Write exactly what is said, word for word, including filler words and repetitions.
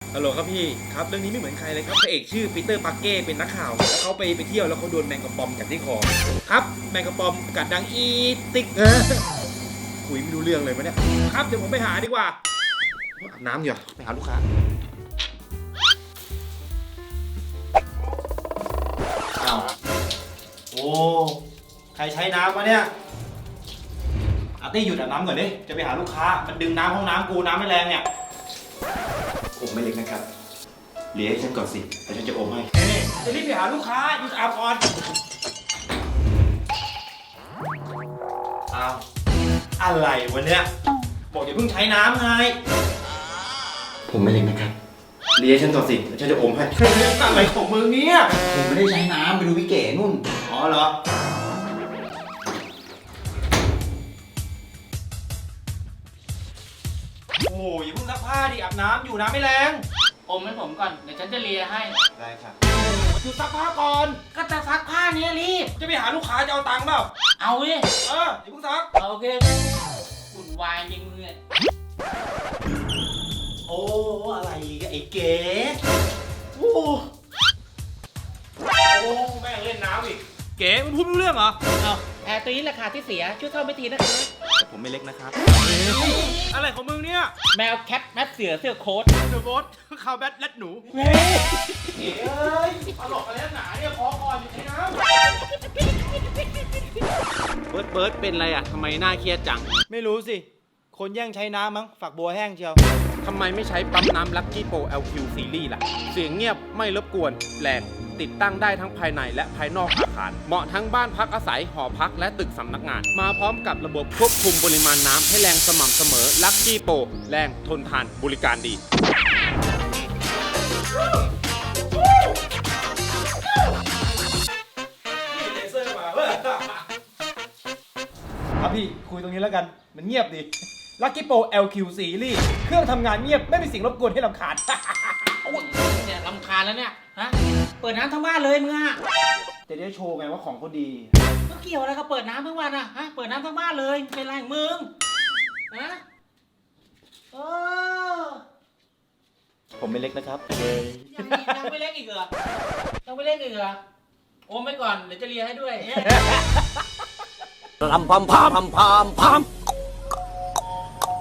ฮัลโหลครับพี่ครับเรื่องนี้ไม่เหมือนใครเลยครับพระเอกชื่อปีเตอร์ปาร์เก้เป็นนักข่าวแล้วเขาไปไปเที่ยวแล้วเขาโดนแมงกะปอมกัดที่คอครับแมงกะปอมกัดดังอีติ๊กเออคุยไม่รู้เรื่องเลยปะเนี่ยครับเดี๋ยวผมไปหาดีกว่าอาบน้ำอยู่ไปหาลูกค้าอ้าวโอ้ใครใช้น้ำวะเนี่ยอาร์ตี้หยุดอาบน้ำก่อนดิจะไปหาลูกค้ามันดึงน้ำห้องน้ำกูน้ำไม่แรงเนี่ยผมไม่เล็กนะครับเลี้ยงให้ฉันก่อนสิแล้วฉันจะอมให้จะรีบไปหาลูกค้าหยุดอาบก่อนอ้าวอะไรวะเนี่ยบอกอย่าเพิ่งใช้น้ำไงผมไม่เล็กนะครับเลี้ยงฉันก่อนสิแล้วฉันจะอมให้อะไรของมึงเนี่ยผมไม่ได้ใช้น้ำไปดูพี่เก๋นู่นอ๋อเหรอโอ้ยอย่าเพิ่งซักผ้าดิอาบน้ำอยู่น้ำไม่แรงอมให้ผมก่อนเดี๋ยวฉันจะเลียให้ได้ครับหยุดซักผ้าก่อนก็จะซักผ้านี้รีบจะไปหาลูกค้าจะเอาตังค์เปล่าเอาดิเอออย่าเพิ่งซักโอเควุ่นวายจริงมึงเนี่ยโอ้อะไรกันไอ้เก๋โอ้โอ้แม่งเล่นน้ำอีกเก๋มันพูดไม่รู้เรื่องเหรอเอาแอร์ตัวนี้ราคาที่เสียช่วยเข้าไม่ทีนะครับแต่ผมไม่เล็กนะครับอะไรของมึงเนี่ยแมวแคทแมทเสือเสื้อโค้ทเดอะโบสคาวแบทแรดหนูเฮ้ยเอ้ยตลกอะไรหนาเนี่ยคอคออยู่ในน้ำเบิร์ดเบิร์ดเป็นไรอ่ะทำไมหน้าเครียดจังไม่รู้สิคนแย่งใช้น้ำมั้งฝักบัวแห้งเชียวทำไมไม่ใช้ปั๊มน้ำลัคกี้โปร แอล คิว ซีรีส์ล่ะเสียงเงียบไม่รบกวนแรงติดตั้งได้ทั้งภายในและภายนอกอาคารเหมาะทั้งบ้านพักอาศัยหอพักและตึกสำนักงานมาพร้อมกับระบบควบคุมปริมาณน้ำให้แรงสม่ำเสมอลัคกี้โปรแรงทนทานบริการดีนี่เลเซอร์มาเว้ยครับพี่คุยตรงนี้แล้วกันมันเงียบดี Lucky Pro แอล คิว Series เครื่องทำงานเงียบไม่มีสิ่งรบกวนให้รำคาญเนี่ยรำคาญแล้วเนี่ยฮะเปิดน้ำทั้งบ้านเลยมึงอะจะได้โชว์ไงว่าของเขาดีก็เกี่ยวอะไรกับเปิดน้ำทั้งวันอะฮะเปิดน้ำทั้งบ้านเลยเป็นไรมึงฮะเออผมไม่เล็กนะครับยังยังไม่เล็กอีกเหรอยังไม่เล็กอีกเหรอโอมไปก่อนเดี๋ยวจะเลียให้ด้วยลำพามพามพามพาม